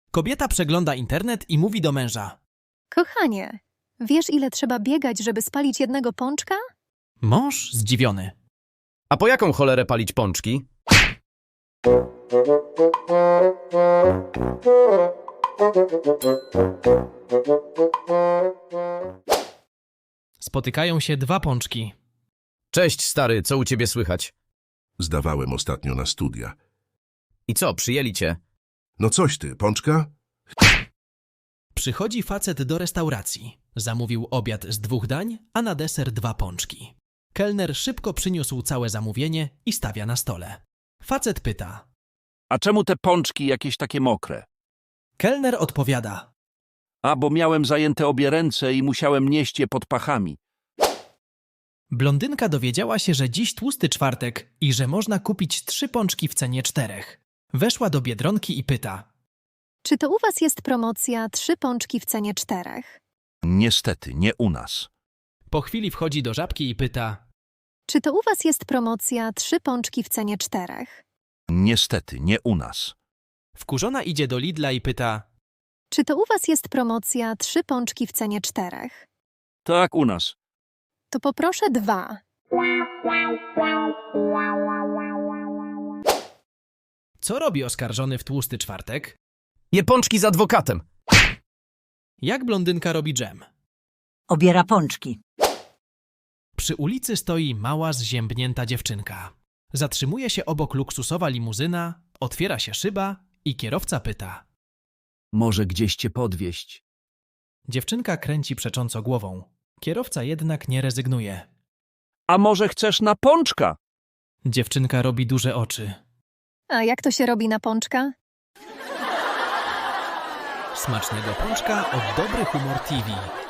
Kobieta przegląda internet i mówi do męża. Kochanie, wiesz ile trzeba biegać, żeby spalić jednego pączka? Mąż zdziwiony. A po jaką cholerę palić pączki? Spotykają się dwa pączki. Cześć, stary, co u ciebie słychać? Zdawałem ostatnio na studia. I co, przyjęli cię? No coś ty, pączka? Przychodzi facet do restauracji. Zamówił obiad z 2 dań, a na deser 2 pączki. Kelner szybko przyniósł całe zamówienie i stawia na stole. Facet pyta. A czemu te pączki jakieś takie mokre? Kelner odpowiada. A, bo miałem zajęte obie ręce i musiałem nieść je pod pachami. Blondynka dowiedziała się, że dziś tłusty czwartek i że można kupić 3 pączki w cenie 4. Weszła do Biedronki i pyta. Czy to u was jest promocja 3 pączki w cenie 4? Niestety, nie u nas. Po chwili wchodzi do Żabki i pyta. Czy to u was jest promocja 3 pączki w cenie 4? Niestety, nie u nas. Wkurzona idzie do Lidla i pyta. Czy to u was jest promocja 3 pączki w cenie 4? Tak, u nas. To poproszę 2. Co robi oskarżony w tłusty czwartek? Je pączki z adwokatem. Jak blondynka robi dżem? Obiera pączki. Przy ulicy stoi mała, zziębnięta dziewczynka. Zatrzymuje się obok luksusowa limuzyna, otwiera się szyba i kierowca pyta. Może gdzieś cię podwieźć. Dziewczynka kręci przecząco głową. Kierowca jednak nie rezygnuje. A może chcesz na pączka? Dziewczynka robi duże oczy. A jak to się robi na pączka? Smacznego pączka od Dobry Humor TV.